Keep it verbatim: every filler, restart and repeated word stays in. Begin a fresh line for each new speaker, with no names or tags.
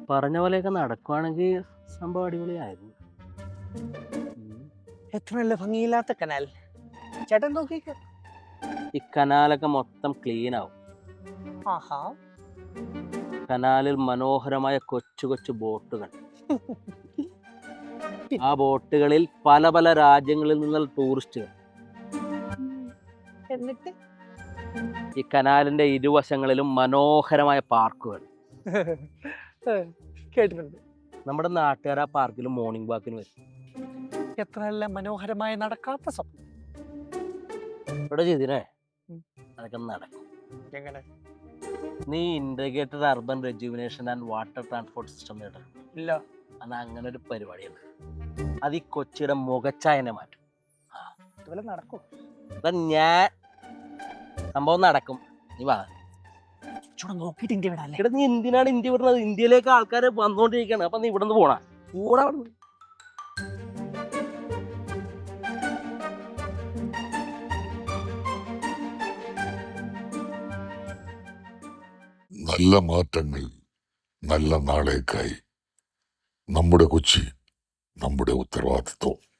പറഞ്ഞ പോലെയൊക്കെ നടക്കുവാണെങ്കിൽ സംഭവം അടിപൊളിയായിരുന്നു.
എത്ര നല്ല ഭംഗിയില്ലാത്ത കനാൽ. ചേട്ടൻ നോക്കിക്ക.
ഈ കനാലൊക്കെ മൊത്തം ക്ലീൻ ആവും.
ആഹാ.
കനാലിൽ മനോഹരമായ കൊച്ചു കൊച്ചു ബോട്ടുകൾ. ആ ബോട്ടുകളിൽ പല പല രാജ്യങ്ങളിൽ നിന്നുള്ള ടൂറിസ്റ്റുകൾ.
എന്നിട്ട്
ഈ കനാലിന്റെ ഇരുവശങ്ങളിലും മനോഹരമായ പാർക്കുകൾ.
കേട്ടിട്ടുണ്ട്.
നമ്മുടെ നാട്ടുകാർ ആ പാർക്കിൽ മോർണിംഗ് വാക്കിന് വരും.
എത്ര നല്ല മനോഹരമായ നടക്കാത്ത സ്വപ്നം.
ഇവിടെ ചെയ്തിനെ അതൊക്കെ നടക്കും.
എങ്ങനെ?
നീ integrated urban rejuvenation and water transport system കേട്ടിട്ടുണ്ട്?
ഇല്ല.
അത് അങ്ങനെ ഒരു പരിപാടിയുണ്ട്. അത് ഈ കൊച്ചിയുടെ മുഖച്ചായനെ മാറ്റും.
ഇതുപോലെ നടക്കും.
ഞാൻ സംഭവം നടക്കും. നീ വാ.
നോക്കിട്ട് ഇന്ത്യ വിടാല്ലേ?
ഇവിടെ നീ എന്തിനാണ് ഇന്ത്യ വിടുന്നത്? ഇന്ത്യയിലേക്ക് ആൾക്കാർ വന്നുകൊണ്ടിരിക്കുകയാണ്. അപ്പൊ നീ ഇവിടെ നിന്ന് പോണ കൂടെ.
നല്ല മാറ്റങ്ങൾ, നല്ല നാളേക്കായി നമ്മുടെ കൊച്ചി, നമ്മുടെ ഉത്തരവാദിത്വം.